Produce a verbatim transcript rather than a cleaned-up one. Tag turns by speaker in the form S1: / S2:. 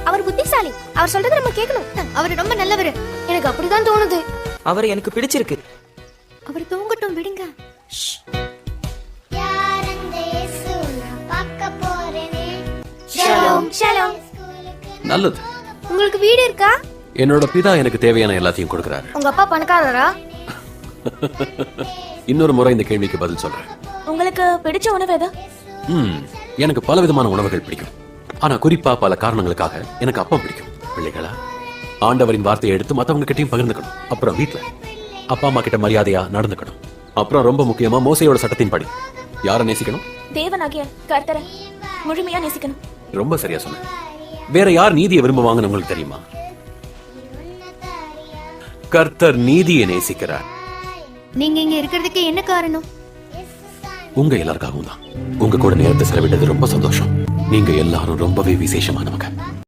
S1: அவர் புத்திசாலி. அவர் சொல்றதை நம்ம கேட்கணும். அவர் ரொம்ப நல்லவர். எனக்கு அப்படிதான் தோணுது.
S2: அவர் எனக்கு பிடிச்சிருக்கு.
S1: அவர் தூங்கட்டும், விடுங்க. ஷலோம். ஷலோம்.
S3: நல்லது.
S1: உங்களுக்கு வீடு இருக்கா?
S3: என்னோட பிதா எனக்கு தேவையான எல்லாத்தையும் கொடுக்கறாரு.
S1: உங்க அப்பா பணக்காரரா?
S3: இன்னொரு முறை இந்த கேள்விக்கு பதில் சொல்றேன்.
S4: உங்களுக்கு பிடிச்ச உணவு எது?
S3: ம் எனக்கு பல விதமான உணவுகள் பிடிக்கும். ஆனா குறிப்பா பல காரணங்களுக்காக எனக்கு அப்பம் பிடிக்கும். பிள்ளைகளா, ஆண்டவரின் வார்த்தையை எடுத்து மத்தவங்க கிட்டயும் பகிர்ந்துக்கணும். அப்புறம் வீட்டுல அப்பா அம்மா கிட்ட மரியாதையா நடந்துக்கணும். அப்புறம் ரொம்ப முக்கியமா மோசையோட சட்டத்தின் படி யாரை நேசிக்கணும்?
S4: தேவனாகிய கர்த்தரை முழுமையா நேசிக்கணும்.
S3: ரொம்ப சரியா சொன்ன. வேற யார் நீதியை விரும்புவாங்கன்னு உங்களுக்கு தெரியுமா? கர்த்தர் நீதியை நேசிக்கிறார்.
S1: நீங்க இங்க இருக்கிறதுக்கு என்ன காரணம்?
S3: உங்க எல்லாருக்காகவும் தான். உங்க கூட நேரத்தை செலவிட்டது ரொம்ப சந்தோஷம். நீங்க எல்லாரும் ரொம்பவே விசேஷமானவங்க.